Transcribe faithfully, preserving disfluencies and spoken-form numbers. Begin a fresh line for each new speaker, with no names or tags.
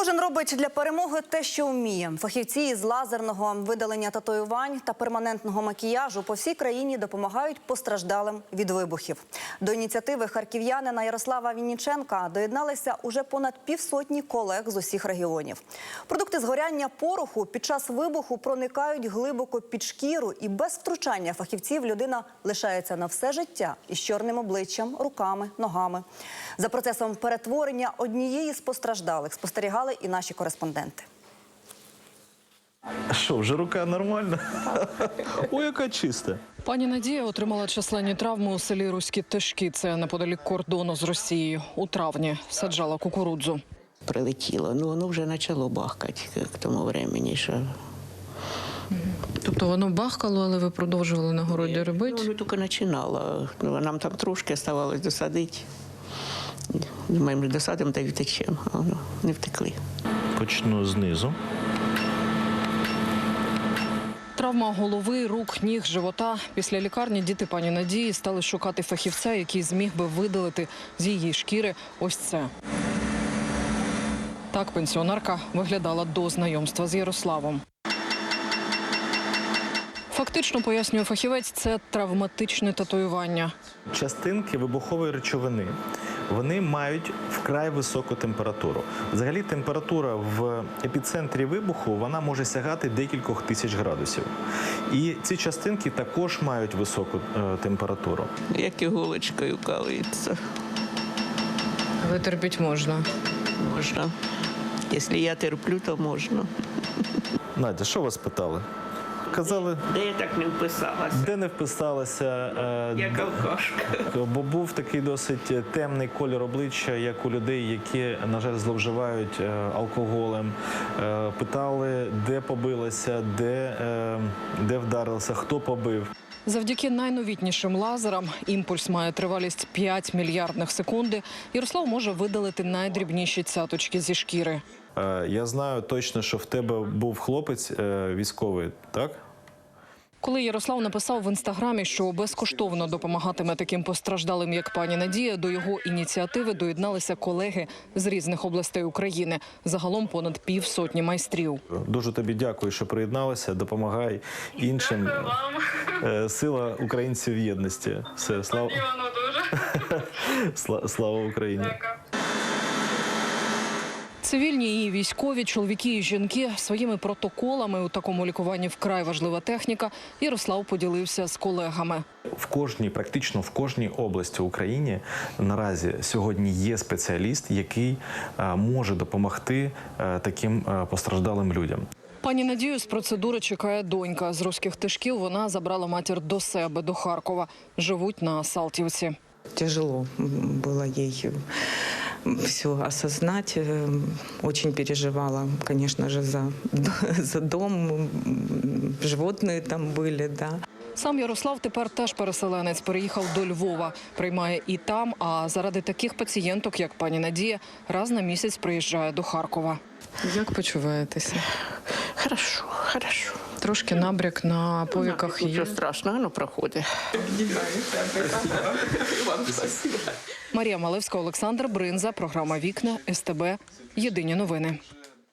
Кожен робить для перемоги те, що вміє. Фахівці із лазерного видалення татуювань та перманентного макіяжу по всій країні допомагають постраждалим від вибухів. До ініціативи харків'янина Ярослава Вінніченка доєдналися уже понад півсотні колег з усіх регіонів. Продукти згоряння пороху під час вибуху проникають глибоко під шкіру, і без втручання фахівців людина лишається на все життя із чорним обличчям, руками, ногами. За процесом перетворення однієї з постраждалих спостерігали і наші кореспонденти.
Що, вже рука нормальна? Ой, яка чиста.
Пані Надія отримала численні травми у селі Руські Тишки. Це неподалік кордону з Росією. У травні саджала кукурудзу.
Прилетіло, ну воно вже почало бахкати к тому времени, що...
Тобто воно бахкало, але ви продовжували на городі робити?
Ну, воно тільки починало. Ну, нам там трошки залишилось досадити. Думаємо, досадимо та й втечемо, а воно не втекли.
Почну знизу.
Травма голови, рук, ніг, живота. Після лікарні діти пані Надії стали шукати фахівця, який зміг би видалити з її шкіри ось це. Так пенсіонерка виглядала до знайомства з Ярославом. Фактично, пояснює фахівець, це травматичне татуювання.
Частинки вибухової речовини, вони мають вкрай високу температуру. Взагалі температура в епіцентрі вибуху, вона може сягати декількох тисяч градусів. І ці частинки також мають високу е, температуру.
Як іголочкою калиться.
Витерпіть можна.
Можна. Якщо я терплю, то можна.
Надя, що вас питали? Казали,
Де я так не вписалася?
де не вписалася. Е,
Як алкашка.
Бо був такий досить темний колір обличчя, як у людей, які, на жаль, зловживають е, алкоголем. Е, питали, де побилася, де, е, де вдарилася, хто побив.
Завдяки найновітнішим лазерам, імпульс має тривалість п'ять мільярдних секунди, Ярослав може видалити найдрібніші цяточки зі шкіри.
Е, я знаю точно, що в тебе був хлопець е, військовий, так?
Коли Ярослав написав в інстаграмі, що безкоштовно допомагатиме таким постраждалим, як пані Надія, до його ініціативи доєдналися колеги з різних областей України. Загалом понад півсотні майстрів.
Дуже тобі дякую, що приєдналася. Допомагай іншим.
Дякую вам.
Сила українців в єдності. Все, слава...
Воно дуже.
Слава Україні.
Дякую.
Цивільні і військові, чоловіки і жінки своїми протоколами у такому лікуванні вкрай важлива техніка. Ярослав поділився з колегами.
В кожній, практично в кожній області України наразі сьогодні є спеціаліст, який а, може допомогти а, таким а, постраждалим людям.
Пані Надію з процедури чекає донька. З Руських Тишків вона забрала матір до себе, до Харкова. Живуть на Салтівці.
Тяжело было ей все осознать. Очень переживала, конечно же, за, за дом. Животные там были, да.
Сам Ярослав тепер теж переселенець, переїхав до Львова. Приймає і там, а заради таких пацієнток, як пані Надія, раз на місяць приїжджає до Харкова. Як почуваєтеся?
Хорошо, хорошо.
Трошки набряк на повіках є.
Нічого страшного, воно проходить.
Марія Малевська, Олександр Бринза, програма «Вікна», ес те бе, Єдині новини.